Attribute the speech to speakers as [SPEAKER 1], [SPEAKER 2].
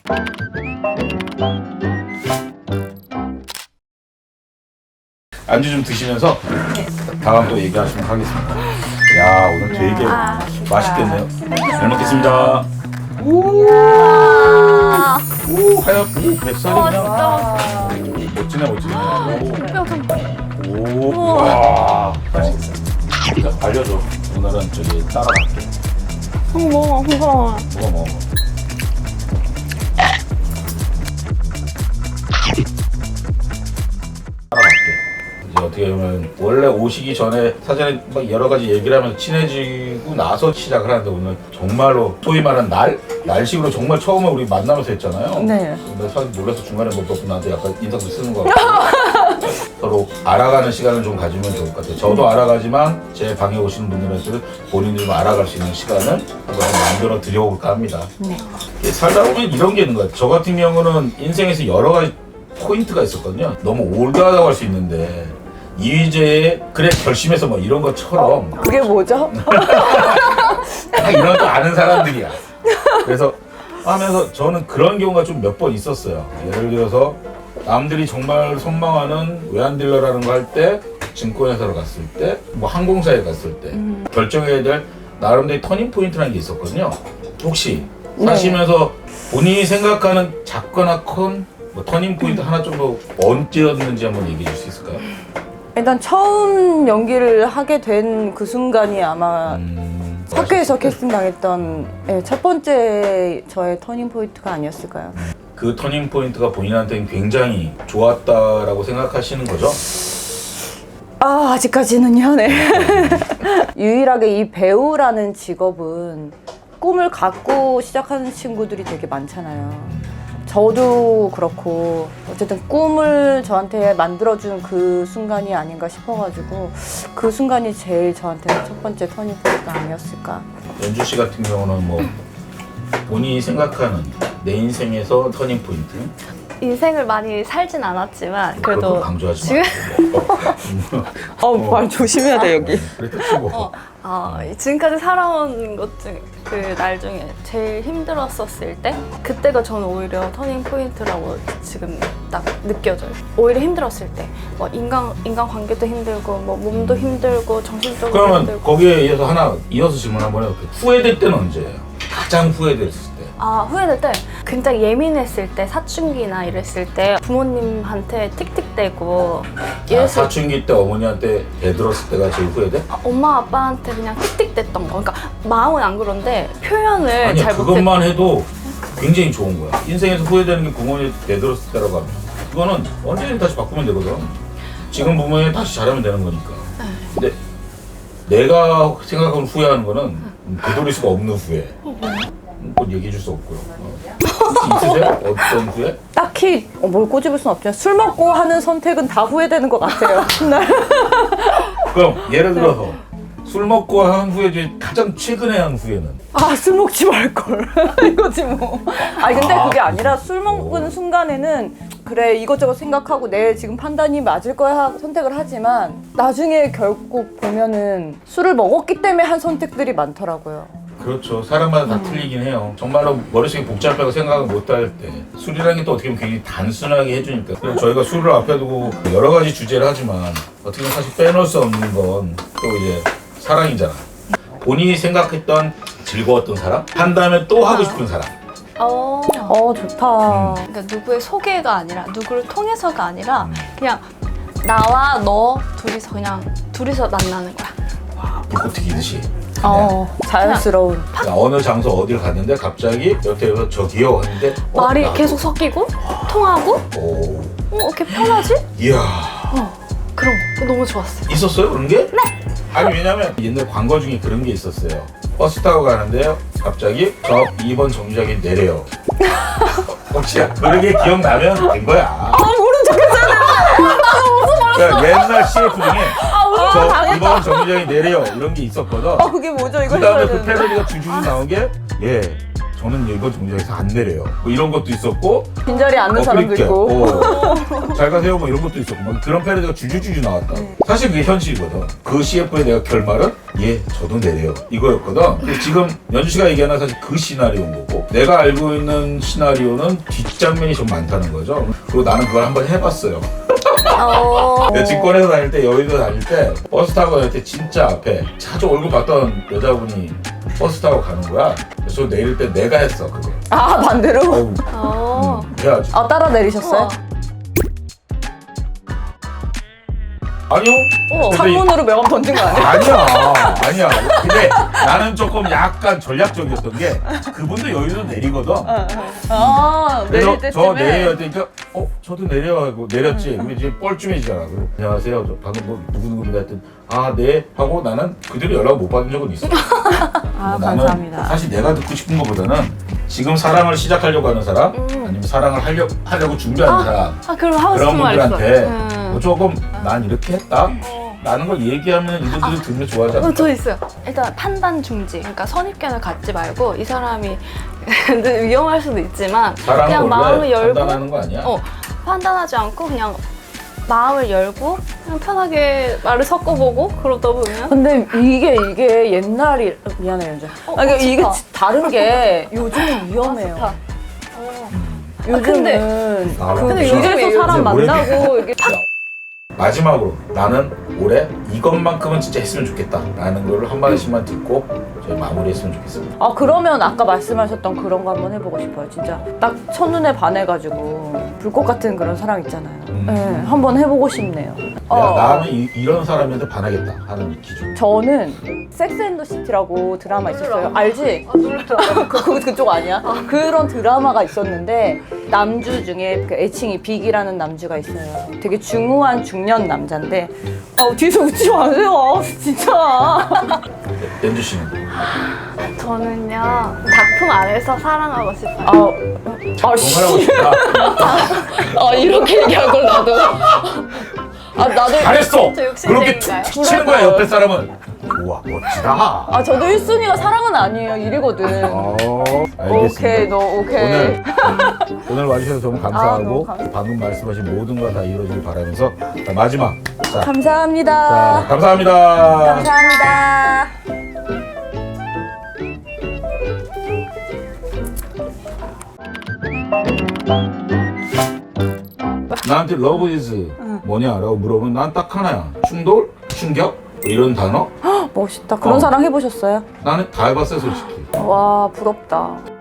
[SPEAKER 1] 안주 좀 드시면서 다음 또 얘기하시면 하겠습니다. 야, 오늘 되게 맛있겠네요. 잘 먹겠습니다. 오, 하얗, 오, 뱃살이 그냥 멋지네, 멋지네. 오, 와, 맛있겠다. 알려줘. 오늘은 저기 따라갈게.
[SPEAKER 2] 먹어.
[SPEAKER 1] 먹어. 어떻게 보면 원래 오시기 전에 사전에 막 여러 가지 얘기를 하면서 친해지고 나서 시작을 하는데 오늘 정말로 소위 말하는 날식으로 정말 처음에 우리 만나면서 했잖아요.
[SPEAKER 2] 네.
[SPEAKER 1] 근데 사실 놀라서 중간에 뭐 나한테 약간 인사도 쓰는 거 같고 서로 알아가는 시간을 좀 가지면 좋을 것 같아요. 저도 알아가지만 제 방에 오시는 분들한테는 본인들도 알아갈 수 있는 시간을 한번 만들어 드려볼까 합니다.
[SPEAKER 2] 네.
[SPEAKER 1] 살다 보면 이런 게 있는 것 같아요. 저 같은 경우는 인생에서 여러 가지 포인트가 있었거든요. 너무 올드하다고 할 수 있는데 이휘재의 그래 결심해서 뭐 이런 것처럼
[SPEAKER 2] 그게 뭐죠?
[SPEAKER 1] 딱 이런 거 아는 사람들이야. 그래서 하면서 저는 그런 경우가 좀 몇 번 있었어요. 예를 들어서 남들이 정말 선망하는 외환딜러라는 거 할 때, 증권회사로 갔을 때, 뭐 항공사에 갔을 때 결정해야 될 나름대로 터닝 포인트라는 게 있었거든요. 혹시 사시면서 본인이 생각하는 작거나 큰 뭐 터닝 포인트 하나 정도 언제였는지 한번 얘기해 줄 수 있을까요?
[SPEAKER 2] 일단 처음 연기를 하게 된 그 순간이 아마 학교에서 캐스팅 당했던 첫 번째 저의 터닝 포인트가 아니었을까요?
[SPEAKER 1] 그 터닝 포인트가 본인한테는 굉장히 좋았다라고 생각하시는 거죠?
[SPEAKER 2] 아직까지는요, 네. 유일하게 이 배우라는 직업은 꿈을 갖고 시작하는 친구들이 되게 많잖아요. 저도 그렇고 어쨌든 꿈을 저한테 만들어준 그 순간이 아닌가 싶어가지고 그 순간이 제일 저한테 첫 번째 터닝 포인트가 아니었을까.
[SPEAKER 1] 연주 씨 같은 경우는 뭐 본인이 생각하는 내 인생에서 터닝 포인트?
[SPEAKER 3] 인생을 많이 살진 않았지만
[SPEAKER 1] 그래도
[SPEAKER 3] 그래도
[SPEAKER 1] 강조하지 마.
[SPEAKER 2] 말 조심해야 돼 여기.
[SPEAKER 1] 그래 치고.
[SPEAKER 3] 지금까지 살아온 것 중 그 날 중에 제일 힘들었었을 때 그때가 저는 오히려 터닝 포인트라고 지금 딱 느껴져요. 오히려 힘들었을 때 뭐 인간 관계도 힘들고 뭐 몸도 힘들고 정신적으로
[SPEAKER 1] 그러면
[SPEAKER 3] 힘들고.
[SPEAKER 1] 거기에 이어서 하나 이어서 질문 한번 해볼게요. 후회될 때는 언제예요? 가장 후회됐을 때.
[SPEAKER 3] 후회될 때 굉장히 예민했을 때 사춘기나 이랬을 때 부모님한테 틱틱대고
[SPEAKER 1] 사춘기 때 어머니한테 대들었을 때가 제일 후회돼?
[SPEAKER 3] 엄마 아빠한테 그냥 틱틱댔던 거. 그러니까 마음은 안 그런데 표현을
[SPEAKER 1] 아니야,
[SPEAKER 3] 잘 못했.
[SPEAKER 1] 그것만 해도 굉장히 좋은 거야. 인생에서 후회되는 게 부모님한테 대들었을 때라고 하면 그거는 언제든 다시 바꾸면 되거든. 지금 부모님 다시 잘하면 되는 거니까. 근데 내가 생각하는 후회하는 거는 되돌릴 수가 없는 후회. 그건 얘기해 줄 수 없고요. 혹시 있으세요? 어떤 후회?
[SPEAKER 2] 딱히 뭘 꼬집을 순 없죠. 술 먹고 하는 선택은 다 후회되는 것 같아요.
[SPEAKER 1] 그럼 예를 들어서 술 먹고 한 후회 중에 가장 최근에 한 후회는?
[SPEAKER 2] 술 먹지 말걸. 이거지 뭐. 근데 그게 아니라 술 먹은 순간에는 그래 이것저것 생각하고 내 지금 판단이 맞을 거야 선택을 하지만 나중에 결국 보면은 술을 먹었기 때문에 한 선택들이 많더라고요.
[SPEAKER 1] 그렇죠. 사람마다 다 틀리긴 해요. 정말로 머릿속에 복잡하고 생각을 못할 때 술이라는 게 또 어떻게 보면 굉장히 단순하게 해주니까. 그래서 저희가 술을 앞에 두고 여러 가지 주제를 하지만 어떻게 보면 사실 빼놓을 수 없는 건 또 이제 사랑이잖아. 본인이 생각했던 즐거웠던 사람, 한 다음에 또 하고 싶은 사람.
[SPEAKER 2] 좋다.
[SPEAKER 3] 그러니까 누구의 소개가 아니라 누구를 통해서가 아니라 그냥 나와 너 둘이서 만나는 거야.
[SPEAKER 1] 와, 불꽃 튀기듯이.
[SPEAKER 2] 자연스러운.
[SPEAKER 1] 어느 장소 어디를 갔는데 갑자기 옆에서 저기요 하는데
[SPEAKER 3] 말이
[SPEAKER 1] 나도.
[SPEAKER 3] 계속 섞이고 통하고
[SPEAKER 1] 오,
[SPEAKER 3] 이렇게 편하지?
[SPEAKER 1] 이야.
[SPEAKER 3] 그런 거 너무 좋았어요.
[SPEAKER 1] 있었어요 그런 게? 네. 아니 왜냐면 옛날 광고 중에 그런 게 있었어요. 버스 타고 가는데요. 갑자기 저 2번 정류장에 내려요. 혹시 그런 게 기억나면 된 거야.
[SPEAKER 2] 모른 척했잖아.
[SPEAKER 1] 그러니까 옛날 CF 중에 저 2번 정류장에 내려요 이런 게 있었거든.
[SPEAKER 2] 그게 뭐죠? 이거
[SPEAKER 1] 그 다음에
[SPEAKER 2] 해줘야
[SPEAKER 1] 그
[SPEAKER 2] 되는데.
[SPEAKER 1] 패러디가 줄줄이 나온 게 예. 저는 이거 정지에서 안 내려요. 뭐 이런 것도 있었고
[SPEAKER 2] 빈자리에 앉는 사람도
[SPEAKER 1] 그러니까,
[SPEAKER 2] 있고.
[SPEAKER 1] 잘 가세요 뭐 이런 것도 있었고 막 그런 패러디가 줄줄줄 나왔다. 사실 그게 현실이거든. 그 CF의 내가 결말은 예 저도 내려요 이거였거든. 근데 지금 연주 씨가 얘기하는 사실 그 시나리오인 거고 내가 알고 있는 시나리오는 뒷장면이 좀 많다는 거죠. 그리고 나는 그걸 한번 해봤어요. 내가 직권에서 다닐 때 여의도 다닐 때 버스 타고 다닐 때 진짜 앞에 자주 얼굴 봤던 여자분이 버스 타고 가는 거야. 그래서 내릴 때 내가 했어 그거.
[SPEAKER 2] 아, 반대로?
[SPEAKER 1] 어우, 해야지.
[SPEAKER 2] 아, 따라 내리셨어요?
[SPEAKER 3] 우와.
[SPEAKER 1] 아니요. 근데
[SPEAKER 2] 창문으로 명함 던진 거 아니에요?
[SPEAKER 1] 아니야. 근데 나는 조금 약간 전략적이었던 게 그분도 여기서 내리거든.
[SPEAKER 2] 아,
[SPEAKER 1] 그래서
[SPEAKER 2] 내릴 때쯤에.
[SPEAKER 1] 저 내려야 되니까 저도 내려가고 내렸지. 근데 이제 뻘쭘해지잖아. 그리고 안녕하세요. 저 방금 뭐 누구누구입니다 했더니 아 네 하고 나는 그대로 연락 못 받은 적은 있어.
[SPEAKER 2] 아,
[SPEAKER 1] 나는
[SPEAKER 2] 감사합니다.
[SPEAKER 1] 사실 내가 듣고 싶은 것보다는 지금 사랑을 시작하려고 하는 사람 아니면 사랑을 하려고 준비하는 사람
[SPEAKER 3] 아 그럼 하고
[SPEAKER 1] 그런
[SPEAKER 3] 싶은 말 있어.
[SPEAKER 1] 분들한테 뭐 조금 난 이렇게 했다 라는 걸 얘기하면 이분들이 들으면 좋아하지 않을까?
[SPEAKER 3] 저 있어요. 일단 판단 중지. 그러니까 선입견을 갖지 말고 이 사람이 근데 위험할 수도 있지만
[SPEAKER 1] 사랑은
[SPEAKER 3] 그냥 마음을
[SPEAKER 1] 원래
[SPEAKER 3] 열고
[SPEAKER 1] 판단하는 거 아니야?
[SPEAKER 3] 판단하지 않고 그냥 마음을 열고 그냥 편하게 말을 섞어보고 그러다 보면
[SPEAKER 2] 근데 이게 옛날이 미안해요 이제. 그러니까 이게
[SPEAKER 3] 좋다.
[SPEAKER 2] 다른 게 요즘은 위험해요.
[SPEAKER 3] 좋다.
[SPEAKER 2] 요즘은
[SPEAKER 1] 아,
[SPEAKER 2] 그
[SPEAKER 1] 근데
[SPEAKER 2] 길에서
[SPEAKER 3] 요즘에
[SPEAKER 2] 사람
[SPEAKER 1] 요즘에
[SPEAKER 2] 만나고 이게
[SPEAKER 1] 마지막으로 나는 올해 이것만큼은 진짜 했으면 좋겠다 라는 걸 한 마디씩만 듣고 저희 마무리했으면 좋겠습니다.
[SPEAKER 2] 아 그러면 아까 말씀하셨던 그런 거 한번 해보고 싶어요. 진짜 딱 첫눈에 반해가지고 불꽃 같은 그런 사랑 있잖아요. 네, 한번 해보고 싶네요.
[SPEAKER 1] 나는 이런 사람한테 반하겠다 하는 기준.
[SPEAKER 2] 저는 섹스 앤더 시티라고 드라마 있었어요. 알지?
[SPEAKER 3] 아 놀라라.
[SPEAKER 2] 그쪽 아니야? 그런 드라마가 있었는데 남주 중에 그 애칭이 빅이라는 남주가 있어요. 되게 중후한 중년 남자인데 뒤에서 웃지 마세요. 진짜.
[SPEAKER 1] 연주 씨는?
[SPEAKER 3] 저는요 작품 안에서 사랑하고 싶어요.
[SPEAKER 1] 정말하고 싶다.
[SPEAKER 2] 이렇게 얘기한 걸 나도. 나도.
[SPEAKER 1] 잘했어!
[SPEAKER 3] 저 욕심쟁이인가요?
[SPEAKER 1] 그렇게 툭 치는 거야 옆에 사람은. 우와 멋지다.
[SPEAKER 2] 저도 1순위가 사랑은 아니에요. 1위거든.
[SPEAKER 1] 알겠습니다.
[SPEAKER 2] 오케이, 너 오케이.
[SPEAKER 1] 오늘 와주셔서 너무
[SPEAKER 2] 너무
[SPEAKER 1] 감사하고
[SPEAKER 2] 감사합니다.
[SPEAKER 1] 방금 말씀하신 모든 거 다 이루어지길 바라면서 자, 마지막 자,
[SPEAKER 2] 감사합니다.
[SPEAKER 1] 감사합니다.
[SPEAKER 2] 감사합니다.
[SPEAKER 1] 나한테 love is 뭐냐라고 물어보면 난 딱 하나야. 충돌, 충격 뭐 이런 단어.
[SPEAKER 2] 멋있다. 그런 사랑 해보셨어요?
[SPEAKER 1] 나는 다 해봤어요 솔직히.
[SPEAKER 2] 와, 부럽다.